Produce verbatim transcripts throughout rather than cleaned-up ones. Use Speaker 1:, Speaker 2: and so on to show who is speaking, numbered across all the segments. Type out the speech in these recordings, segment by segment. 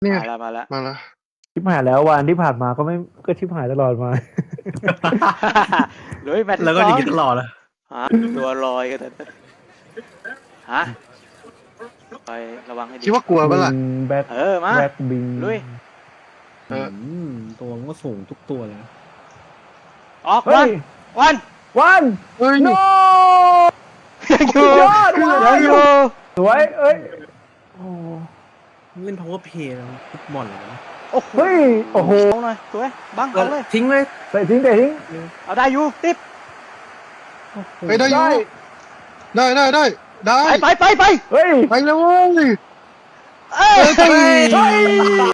Speaker 1: เนี่ย
Speaker 2: มาแล้วมาแล้ว
Speaker 1: มาแล้ว
Speaker 3: ชิบหายแล้ววันที่ผ่านมาก็ไม่ก็ชิบหายตลอดมา
Speaker 2: เลยแมตช์
Speaker 4: แล้วก็
Speaker 2: ที่
Speaker 4: หนี
Speaker 2: สอง
Speaker 4: กันตลอดอะ
Speaker 2: ฮะตัวลอยกันเลยฮะไประวังให้ดี
Speaker 1: คิดว่ากลัวปะล่ะ
Speaker 3: แบ็ค
Speaker 2: เออมา
Speaker 3: แบ็คบิง
Speaker 2: ลุย
Speaker 1: เออ
Speaker 4: มตัวมันก็สูงทุกตัวเลยนะ
Speaker 2: ออก
Speaker 3: เฮ้
Speaker 2: วัน
Speaker 3: ย
Speaker 2: วัน
Speaker 3: วัน
Speaker 1: เฮ้ย
Speaker 3: โน
Speaker 2: ยังอยู่
Speaker 3: สุดยอดว่ะ
Speaker 2: ยังอยู่
Speaker 3: สวยเอ้ยโอ้
Speaker 4: เล่น power play แล้วฟุตบอลเลยนะ
Speaker 2: โอ้โห
Speaker 3: เฮ้ยโอ้โห
Speaker 2: เอาหน่อยสวยบังเอาเลย
Speaker 4: ทิ้งเลย
Speaker 3: เตะทิ้งเตะทิ้ง
Speaker 2: เอาได้อยู่ติ๊บ
Speaker 1: เฮ้ยได้อยู่ ได้ได้ได้ได้
Speaker 2: ไปไปไปไป
Speaker 3: เฮ้ย
Speaker 1: ไปเลยเว้ย
Speaker 2: เอ้ย
Speaker 3: เฮ้ยเฮ้ย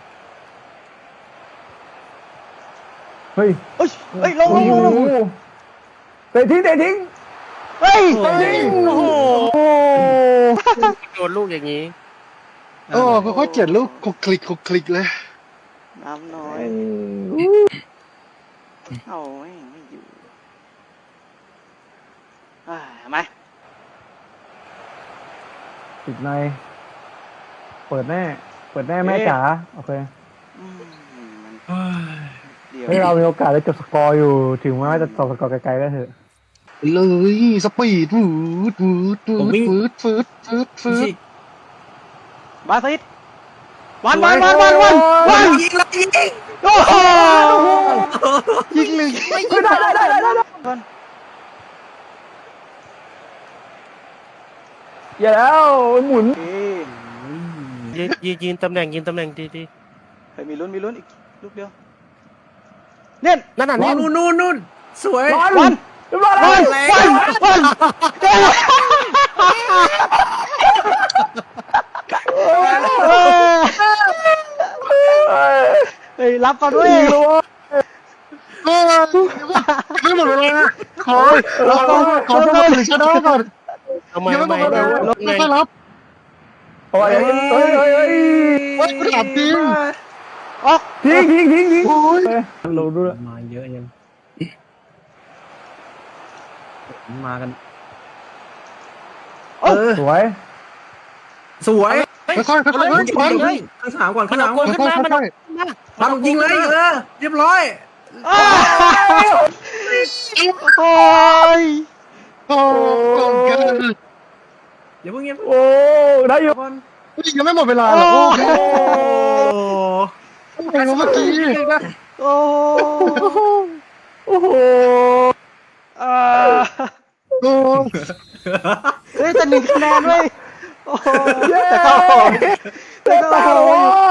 Speaker 3: เฮ้ย
Speaker 2: เฮ้ยเฮ้ยลงลงลงลง
Speaker 3: เตะทิ้งเตะทิ้ง
Speaker 2: เฮ้ย
Speaker 4: โอ้โห
Speaker 3: โอ้โห
Speaker 4: โดนลูกอย่างนี้
Speaker 1: โอ้ค่อยๆเจ็ดลูกคลุกคลิกคลุกคลิกเลย
Speaker 2: น้ำน้อยเอาไม่ไม่อยู่อ่าทำไม
Speaker 3: ติดในเปิดแน่เปิดแน่แม่จ๋าโอเค
Speaker 2: อืมมัน
Speaker 4: เฮ้ย
Speaker 2: เดี๋ยว
Speaker 3: ให้เรามีโอกาสได้จบสกอร์อยู่ถึงแม้ว่าจะจบสกอร์ไกลๆก็เถอะ
Speaker 1: เลยสปีดวืดวืดวืดวืดฟืดฟืดฟื
Speaker 4: ชิ
Speaker 1: ด
Speaker 2: บาซิดวันวันวันวันวันวัน
Speaker 4: ยิงแล้วยิง
Speaker 2: โอ้โหยิงเลย
Speaker 3: เฮ้ยได้ได้ได้ได้ได้
Speaker 2: วัน
Speaker 3: อย่าแล้วหมุน
Speaker 2: เอ้ย
Speaker 5: ยืนยืนยืนตำแหน่งยืนตำแหน่งดีดี
Speaker 2: เฮ้ยมีลุ้นมีลุ้นอีกลูกเดียวเน่น
Speaker 5: นั่นน่ะนี่
Speaker 4: นู่นนู่นนู่นสวย
Speaker 3: วัน
Speaker 2: วัน
Speaker 3: เรียบร้อยแล้
Speaker 2: วั
Speaker 3: วน
Speaker 2: วันวันเฮ้ยรับก่อนด้วย
Speaker 1: เออไม่หมดเวลาขอขอขอจังหวะหรือชนะก่อน
Speaker 5: ทำไม
Speaker 1: ยังไม่
Speaker 5: ทำ
Speaker 1: ห
Speaker 5: ไม
Speaker 1: มดเวลา
Speaker 5: ลบไง
Speaker 1: ไม่ค่อยรับ
Speaker 3: โอ้ยเฮ้ยเฮ้ยเฮ้ย
Speaker 1: เฮ้ยกูถามจริง
Speaker 2: ออก
Speaker 3: ทิ้งทิ้งทิ้งทิ้ง
Speaker 1: โอ้ย
Speaker 3: ลงด้วย
Speaker 4: มาเยอะยังมากัน
Speaker 2: เออ
Speaker 3: สวย
Speaker 4: สวย
Speaker 1: ค่อยๆค่อยๆค่อยๆ
Speaker 4: บอ
Speaker 1: ค่
Speaker 4: ล
Speaker 1: อย
Speaker 4: ข้างสามก่อน
Speaker 5: มั
Speaker 4: ข้าน ง
Speaker 5: เอา
Speaker 4: สาม
Speaker 5: ก
Speaker 4: ก่
Speaker 5: ล
Speaker 4: อน
Speaker 5: ขึ้นมามันเอา
Speaker 1: ๆ
Speaker 5: ขึ้นมา
Speaker 4: บอลยิงเลยเออเรียบร้อย
Speaker 2: โอ้ย
Speaker 1: โอ้ย
Speaker 4: อย่าเพิ่งเงียบ
Speaker 3: โอ้ได้อยู่
Speaker 4: บอล
Speaker 1: ยังไม่หมดเวลาหรอกโอ้โห
Speaker 4: โอ้
Speaker 1: เมื่อกี้
Speaker 2: โอ้
Speaker 3: โอ้โห
Speaker 2: อ่า
Speaker 1: โอ้
Speaker 2: เฮ้ยแต่หนึ่งคะแนนเว้ยโอ้โห
Speaker 3: เย้
Speaker 2: แต่เข้าแต่
Speaker 3: เตะ
Speaker 2: เข้า
Speaker 3: โอ้